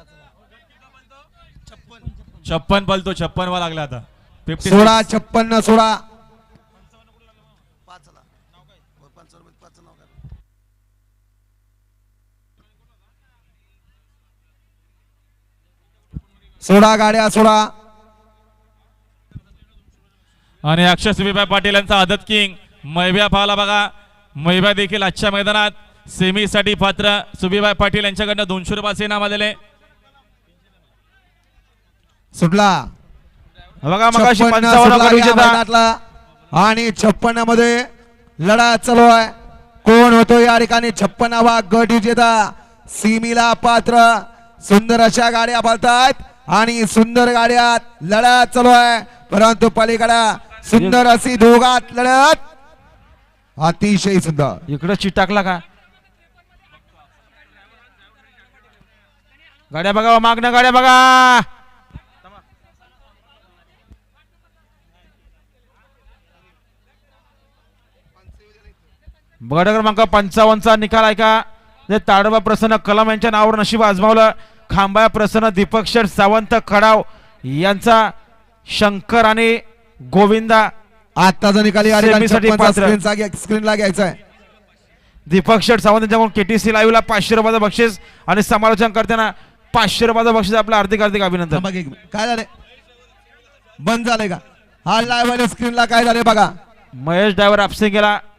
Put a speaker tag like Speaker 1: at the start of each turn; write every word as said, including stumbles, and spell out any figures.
Speaker 1: छप्पन पलतो छप्पन वा लागला आता फिफ्टी
Speaker 2: सोळा छप्पन्न सोळा सोळा गाड्या सोळा
Speaker 1: आणि अक्षय सुभीबाई पाटील यांचा आदत किंग मैब्या पाहला बघा. मैब्या देखील आजच्या मैदानात सेमी साठी पात्र. सुभीबाई पाटील यांच्याकडनं दोनशे रुपये इनाम आलेले.
Speaker 2: सुटला
Speaker 3: बघा मगाशी
Speaker 2: छप्पन्न
Speaker 3: पंचावन्न
Speaker 2: सुटला
Speaker 3: गट
Speaker 2: या
Speaker 3: विजेता.
Speaker 2: मैदानातला. आणि छप्पन्न मध्ये लढा चालू आहे. कोण होतो या ठिकाणी छप्पन्नावा गट विजेता सीमीला पात्र. सुंदर अशा गाड्या पळतायत आणि सुंदर गाड्यात लढा चालू आहे. परंतु पलीकडे सुंदर अशी दोघात लढत अतिशय सुंदर.
Speaker 3: इकडे चिटाकला का गाड्या बघा मागण्या गाड्या बघा. गड क्रमांक पंचावन्नचा निकाल ऐका. जे ताडोबा प्रसन्न कलम यांच्या नावावर नशीब आजमावलं. खांबा प्रसन्न दीपक शेठ सावंत खडाव यांचा शंकर आणि गोविंदा
Speaker 2: आताचा निकाल या ठिकाणी
Speaker 3: सेमीसाठी पात्र.
Speaker 2: स्क्रीनला घ्यायचा आहे.
Speaker 3: दीपक शेठ सावंत यांच्याकडून केटीसी लाईव्हला पाचशे रुपयाचं बक्षीस आणि समालोचन करताना पाचशे रुपयाचं बक्षीस. आपलं हार्दिक हार्दिक अभिनंदन.
Speaker 2: बघा एक मिनिट. काय झालंय बंद झालंय का हा लाईव्ह आणि स्क्रीनला काय झालंय बघा.
Speaker 3: महेश ड्रायव्हर आपसे गेला.